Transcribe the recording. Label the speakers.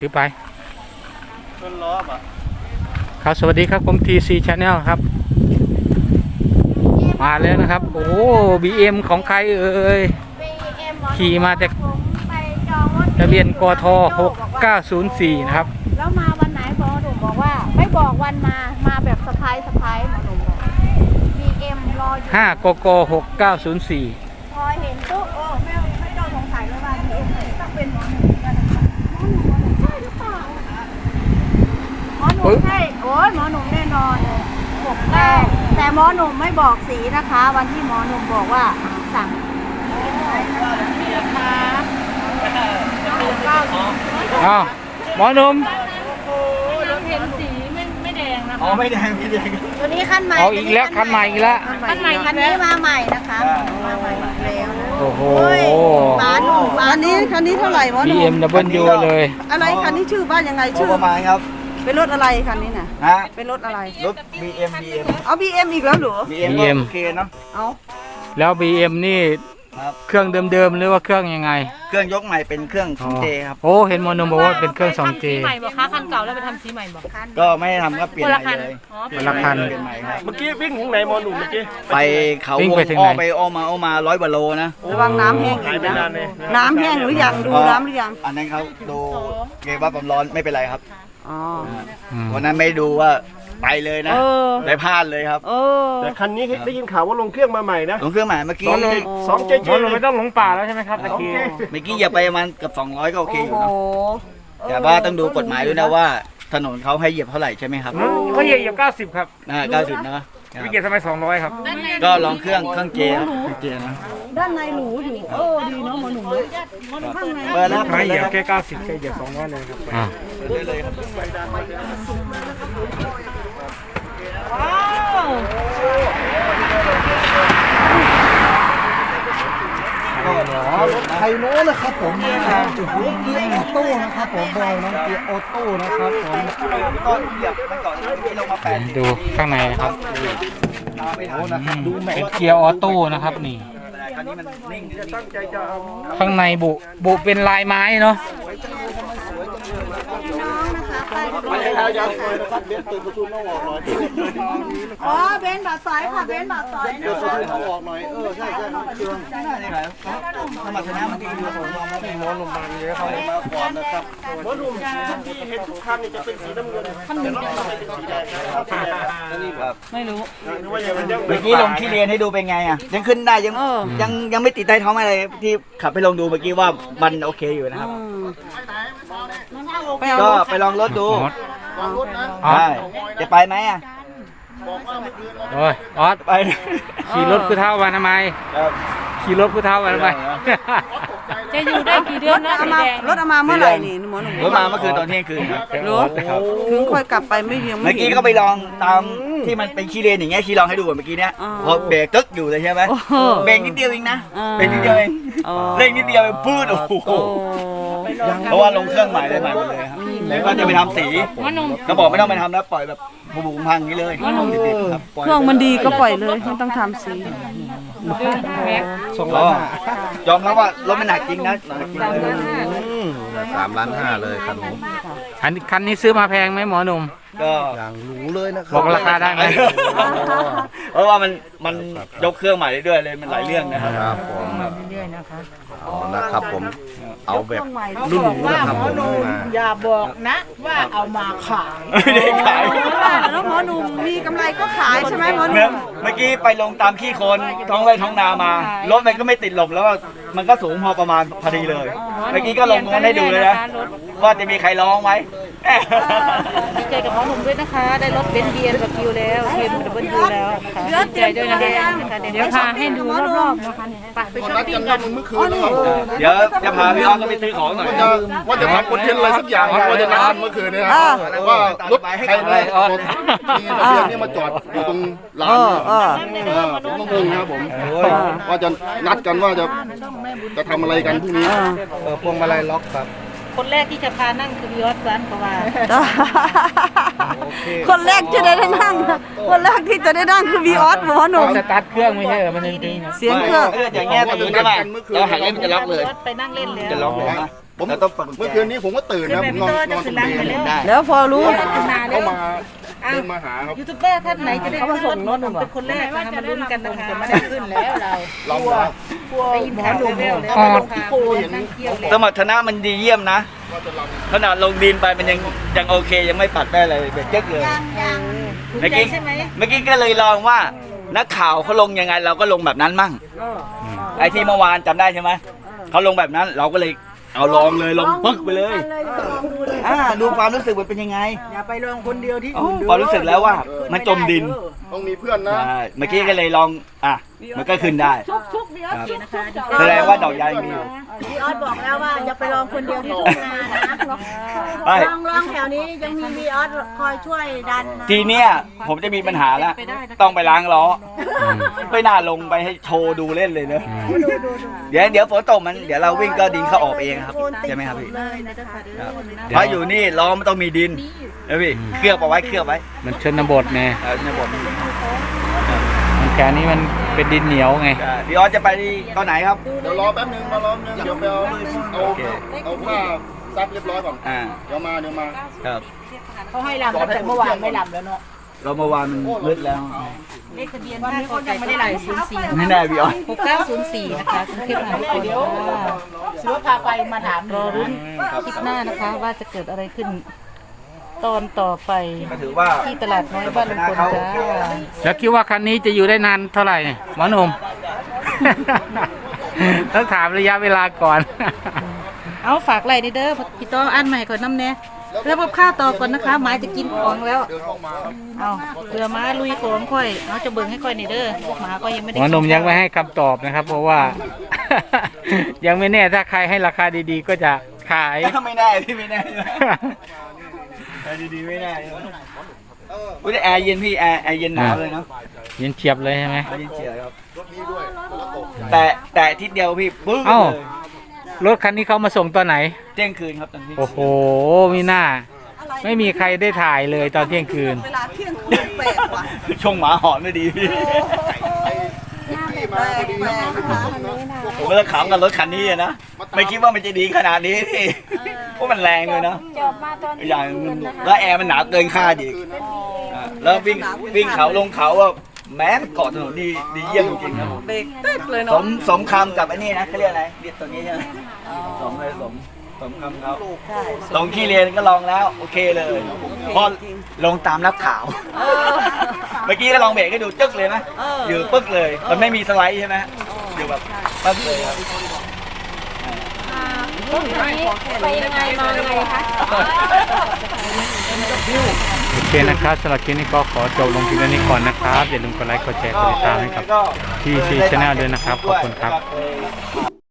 Speaker 1: ถือไป
Speaker 2: ต้นล้อป่ะ
Speaker 1: ครับสวัสดีครับผม TC Channel ครับมาแล้วนะครับโอ้ BM ของใครเอ่ยขี่มาจากทะเบียนกท6904นะครับ
Speaker 3: แล้วมาวันไหนหมอหนุ่มบอกว่าไม่บอกวันมาแบบสะพายหมอหนุ่มบอก BM รออยู่
Speaker 1: 5กก6904
Speaker 3: พอเห็นปุ๊บไม่ต้องสงสัยเลยว่า BM ต้องเป็นหมอหนุ่มกันหมอหนุ่มใช่หรือเปล่าหมอหนุ่มใช่โอ้ยหมอหนุ่มแน่นอนเลยแต่หมอหนุ่มไม่บอกสีนะคะวันที่หมอหนุ่มบอกว่าสั่งนี่นะคะ
Speaker 1: อ้าวหมอหนุ่ม
Speaker 3: เห็นสีไม่แดงนะคะ
Speaker 2: อ๋อไม่แดง
Speaker 3: ตัวนี้ขั้นใหม่
Speaker 1: เอาอีกแล้วคันใหม่อีกแล้ว
Speaker 3: คันนี้มาใหม่นะคะมาใหม่แล้วนะ
Speaker 1: โอ้โห
Speaker 3: บ้านหนุ่มคันนี้เท่าไหร่หมอหนุ่ม
Speaker 1: BMW เลย
Speaker 3: อะไรคันนี้ชื่อบ้านยังไงชื่อ
Speaker 2: ประมาณครับ
Speaker 3: เป็นรถอะไรคันนี้น่ะ
Speaker 2: ฮะ
Speaker 3: เป็นรถอะไร
Speaker 2: รถ BM
Speaker 3: เอา BM อีกแล้วเหรอ
Speaker 2: BM โอเคเนาะ
Speaker 3: เอา
Speaker 1: แล้ว BM นี่เครื่องเดิมๆหรือว่าเครื่องยังไง
Speaker 2: เครื่องยกใหม่เป็นเครื่อง 2J ครับ
Speaker 1: โอ้เห็นมอนมบอกว่าเป็นเครื่อง 2J
Speaker 4: ใหม่บอกคะคันเก่าแล้วไปทำสีใหม่บอก
Speaker 2: ก็ไม่ได้ทำก็เปลี่ยนใหม่เลย
Speaker 1: คนละคัน
Speaker 2: เมื่อกี้วิ่งถึงไหนมอหนุ่มเมื่อกี้ไปเขา
Speaker 1: วิ่งไปถึงไหน
Speaker 2: อ้อมา100 กว่าโลนะ
Speaker 3: ระวังน้ำแห้งอีกนะน้ำแห้งหรือยังดูน้ำหรือยัง
Speaker 2: อันนั้นเขาดูเกว่าความร้อนไม่เป็นไรครับ
Speaker 3: อ๋อ
Speaker 2: วันนั้นไม่ดูว่าไปเลยนะได้พลาดเลยครับ
Speaker 5: แต่คันนี้ได้ยินข่าวว่าลงเครื่องมาใหม่นะ
Speaker 2: ลงเครื่องใหม่เมื่อกี้
Speaker 5: 2J
Speaker 1: เราไม่ต้องหลงป่าแล้วใช่ไหมครับตะกี้
Speaker 2: เมื่อกี้อย่าไปประมาณเกือบ200ก็โอเคอยู่นะแต่ว่าต้องดูกฎหมายด้วยนะว่าถนนเขาให้เหยียบเท่าไหร่ใช่ไหมครับ
Speaker 1: เขาเหยียบ90ครับ
Speaker 2: 90นะ
Speaker 1: วิกเกียร์สมัย200ครับ
Speaker 2: ก็ลองเครื่องเจนะ
Speaker 3: ด้านในหรูอยู่ดีเนาะหมอหนุ่มข้างใน
Speaker 2: เปิดแล้ว
Speaker 1: ไม่เหยียบแค่90แค่เหยียบ200เลยครับ
Speaker 2: ได้เลยครับ
Speaker 3: ว้าว
Speaker 5: รถไทยโน้นะครับผมเกียร์ออโต้นะครับผมบอยน้องเกียร์ออโต้นะครับผม
Speaker 2: ก็เหยียบมันก่อนที่ลงมา8
Speaker 1: ดูข้างในนะครับเป็นเกียร์ออโต้นะครับนี่ข้างในบุเป็นลายไม้เนาะ
Speaker 3: อ๋อเบนบาดสอยค่ะเบนบาดสอยนะ
Speaker 5: เอาออกหน่อยใช่
Speaker 2: สมรรถนะมันดีอยู่ผมมาเป็นหมอหนุ่มมาเยอะเขามาก่อนนะครับ
Speaker 5: หมอหนุ่มที่เห็นทุกคันนี่จะเป็นสีน้ำเงินคันนี้เป็นสีแดงครับ
Speaker 3: ไม่รู้
Speaker 2: เมื่อกี้ลงที่เรียนให้ดูเป็นไงอ่ะยังขึ้นได้ยังไม่ติดใต้ท้องอะไรที่ขับไปลองดูเมื่อกี้ว่ามันโอเคอยู่นะครับก็ไปลองรถดูใช่จะไปไหมอ่ะ
Speaker 1: โอ้ยออส
Speaker 2: ไป
Speaker 1: ขี่รถผู้เฒ่ามาทำไมขี่รถผู้เฒ่ามาทำไม
Speaker 4: จะอยู่ได้กี่เดือนนะ
Speaker 3: รถเอามาเมื่อไหร่นี่หมอหนุ่ม
Speaker 2: รถมาเมื่อคืนตอนเที่ยงคืนครับ
Speaker 3: ถึงค่อยกลับไปไม่ยัง
Speaker 2: เมื่อกี้ก็ไปลองตามที่มันเป็นขี้เลนอย่างเงี้ยขี้ลองให้ดูเมื่อกี้เนี้ยพอเบรกตึ๊กอยู่เลยใช่ไหมเบรกนิดเดียวเองนะเบรกนิดเดียวเองเร่งนิดเดียวพูดโอ้โหเพราะว่าลงเครื่องใหม่เลยครับแล้วก็จะไปทำสีก็บอกไม่ต้องไปทำแล้วปล่อยแบบบุบพังนี้เลย
Speaker 3: เครื่องมันดีก็ปล่อยเลยไม่ต้องทำสี
Speaker 2: ยอมรับว่ารถมันหนักจริงนะ
Speaker 5: 3.5 ล้านเลยคันนี้
Speaker 1: คันนี้ซื้อมาแพงไหมหมอหนุ่ม
Speaker 2: ก็
Speaker 5: อย่างหรูเลยนะครั
Speaker 1: บอกราคาได้ไหม
Speaker 2: เพราะว่ามันยกเครื่องใหม่เรื่อยๆเลยมันหลายเรื่องนะครับ
Speaker 5: ผมเรื่อยๆนะคะนะครับผมเอาแบบรุ่นหรูนะครับผม
Speaker 4: อย่าบอกนะว่าเอามาขาย
Speaker 2: ไม่ได้ขาย
Speaker 3: แล้วหมอหนุ่มมีกำไรก็ขายใช่ไหมหมอหนุ่ม
Speaker 2: เมื่อกี้ไปลงตามขี้โคลนท้องไร่ท้องนามารถมันก็ไม่ติดหลบแล้วมันก็สูงพอประมาณพอดีเลยเมื่อกี้ก็ลงให้ดูเลยนะว่าจะมีใครร้องไหม
Speaker 4: ดีใจกับหมอหนุ่มด้วยนะคะได้รถเบนซ์เบียร์กับคิวแล้วเอ็มดับเบิลยูแล้วค่ะดีใจด้วยนะคะเดี๋ยวพาให้ดูรอบๆนะคะไปช้อปปิ้งกัน
Speaker 5: เมื่อคืน
Speaker 2: เดี๋ยวจะพาพี่อ้อมก็ไปซื้อของหน่อย
Speaker 5: ว่าจะทำคอนเทนต์อะไรสักอย่างว่าจะนัดกันเมื่อคืนเนี่ยว่ารถใครเนี่ยมีทะเบียนนี่มาจอดอยู่ตรงลานผมต้องงงนะครับผมว่าจะนัดกันว่าจะทำอะไรกันพรุ่งนี้
Speaker 2: พวงมาลัยล็อกครับ
Speaker 4: คนแรกที่จะพานั่งคือวิออสซันเพราะว่า
Speaker 3: คนแรกที่จะได้นั่งคนแรกที่จะได้นั่งคือวีออสหมอหนุ่ม
Speaker 1: สตาร์ทเครื่องไม่ใช่มันจริง
Speaker 3: เสียงเครื่อง
Speaker 2: อย่างเงี้ยตรงนี้ใช่ไหมเราหักเล่นมันจะล็อกเลย
Speaker 4: ไปนั่งเล่นเลย
Speaker 2: จะล็อกเลย
Speaker 5: ผม
Speaker 2: เราต้องเปิดกุญแจ
Speaker 5: เมื่อคืนนี้ผมก็ตื่นนะผมนอนตรงเบน
Speaker 2: ได้
Speaker 3: แล้วพอรู้
Speaker 5: เข้ามาเดินมาหาครับ
Speaker 4: ยูทูบเบอร์ท่านไหนจะได้ขึ้นรถหมอหนุ่มเป็นคนแรกนะคะมาลุ้นกันนะคะไม่ได้ขึ้นแล้วเรา
Speaker 5: ลองนะ
Speaker 4: ได้ยินข่าวเร็วๆแล้วลงที่โคนนั่งเที่ยวเลย
Speaker 2: สมรรถนะมันดีเยี่ยมนะขนาดลงดินไปมันยังโอเคยังไม่ปัดแม่เลยเบ็ดเจ๊กเลย
Speaker 4: ถูก
Speaker 2: เมื่อ
Speaker 4: ใจ
Speaker 2: กี้
Speaker 4: ใช่ไหม
Speaker 2: เมื่อกี้ก็เลยลองว่านักข่าวเขาลงยังไงเราก็ลงแบบนั้นมั่งไอ้ที่เมื่อวานจำได้ใช่ไหมเขาลงแบบนั้นเราก็เลยเอาลองเลยลงปึ๊กไปเลยดูความรู้สึกมันเป็นยังไง
Speaker 3: อย่าไปลองคนเดียวที่
Speaker 2: ความรู้สึกแล้วว่ามันจมดิน
Speaker 5: ต้องมีเพื่อนนะ
Speaker 2: ใช่เมื่อกี้ก็เลยลองมันก็ขึ้นได้
Speaker 3: ชุกเดียว
Speaker 2: ครับ
Speaker 4: นะคะ
Speaker 2: แสดงว่าดอกยางมีอยู่
Speaker 3: พี่ออสบอกแล้วว่าอย่าไปลองคนเดียวที่ทุ่งนานะ
Speaker 2: ไป
Speaker 3: ลองแถวนี้ยังมีพี่ออสคอยช่วยดันนะ
Speaker 2: ทีเนี้ยผมจะมีปัญหาแล้วต้องไปล้างล้อไม่น่าลงไปให้โชว์ดูเล่นเลยเนอะเดี๋ยวฝนตกมันเดี๋ยวเราวิ่งก็ดินเข้าออกเองครับใช่ไหมครับพี่
Speaker 3: เลยนะคะ
Speaker 2: เพราะอยู่นี่ล้อมันต้องมีดินนะพี่เคลือบเอาไว้เคลือบไว้
Speaker 1: มันชนบทไง
Speaker 2: ในบทนี้
Speaker 1: มันแกนี้มันเป็นดินเหนียวไง
Speaker 2: พี่ออสจะไปตอนไหนครับ
Speaker 5: เดี๋ยวรอแป๊บนึงมารอนึงเดี๋ยวไปเอาผ้าซักเรียบร้อยก่อนเดี๋ยวมา
Speaker 2: ครับ
Speaker 3: เขาให้ลำตั้งแต่เมื่อวานไม่ลำแล้วเนาะ
Speaker 2: เราเมื่อวานมันมืดแล้ว
Speaker 4: เลขทะเบียนบ้านกไก่ไม่ได้ไหล04
Speaker 2: ไม่แน่พี่ออส
Speaker 4: 6904นะคะกรุงเทพมหานครค่ะ
Speaker 3: เสือพาไปมาถาม
Speaker 4: รอรุ้นคลิปหน้านะคะว่าจะเกิดอะไรขึ้นตอนต่อไป
Speaker 2: ก็ถือว่า
Speaker 4: ที่ตลาดน้อยบ้านลุงพลจ้า
Speaker 1: แล้วคิดว่าคันนี้จะอยู่ได้นานเท่าไหร่เนี่ยหมอหนุ่ม ต้องถามระยะเวลาก่อน
Speaker 4: เอาฝากไลน์นี่เด้อพี่ต้ออ่านใหม่ก่อนน้ำแน่แล้วพบข้าวต่อก่อนนะคะหมายจะกินของแล้ว
Speaker 5: เดินเข้ามา
Speaker 4: เอาเรือม้าลุยของค่อยเอาจะเบิ่งให้ค่อยนี่เด้อพวกหมาก็ยังไม่ได้
Speaker 1: หมอหนุ่มยังไม่ให้คำตอบนะครับ เพราะว่า ยังไม่แน่ถ้าใครให้ราคาดีๆ ก็จะขาย
Speaker 2: ไม่แน่พี่ไม่แน่แอร์ดีๆไม่แน่อุ้ยแต่แอร์เย็นพี่แอร์เย็นหนาวเลยเนาะ
Speaker 1: เย็นเฉียบเลยใช่ไหม
Speaker 2: แอร์เย็นเฉียบครับ
Speaker 5: รถนี้ด้วยแล้วตก
Speaker 2: แต่ทิศเดียวพี่ปึ๊ก
Speaker 1: เอ้า
Speaker 2: เลย
Speaker 1: รถคันนี้เขามาส่งตอนไหน
Speaker 2: เที่ยงคืนครับตอนนี้
Speaker 1: โอ้โหมีหน้า ไม่มีใครได้ถ่ายเลยตอนเที่ยงคืน
Speaker 2: ช่วงหมาหอนไม่ดีพี่
Speaker 5: ที่มาพอดีครับ
Speaker 2: ผมก็เลยขำกับรถคันนี้อะนะไม่คิดว่ามันจะดีขนาดนี้พี่เพราะมันแรงเลยเนาะ
Speaker 3: จบมาตอน
Speaker 2: อย่างแล้วแอร์มันหนาเกินคาดอีกแล้ววิ่งเขาลงเขาว่าแม้เกาะถนนดีเยี่ยมจริงๆครับผม
Speaker 3: เบรกตึ๊ดเลย
Speaker 2: ส
Speaker 3: เนาะ
Speaker 2: มสมคำกับไอ้นี่นะเขาเรียกอะไรเรียกตัวนี้ใช่ไหมสมเลยสมคำเขาลงขี้เรียนก็ลองแล้วโอเคเลยพอลงตามนักข่าวเมื่อกี้ก็ลองเบรกให้ดูจึ๊กเลยนะอยู่ปึ๊กเลยมันไม่มีสไลด์ใช่ไหมอยู่แบบปึ๊กเลยครับ
Speaker 3: ไปยังไงมายังไงคะ
Speaker 1: โอเคนะครับสำหรับคลิปนี้ก็ขอจบลงเพียงเท่านี้ก่อนนะครับ อย่าลืมกดไลค์กดแชร์กดติดตามให้กับที่ซีชาแนลด้วยนะครับ ขอบคุณครับ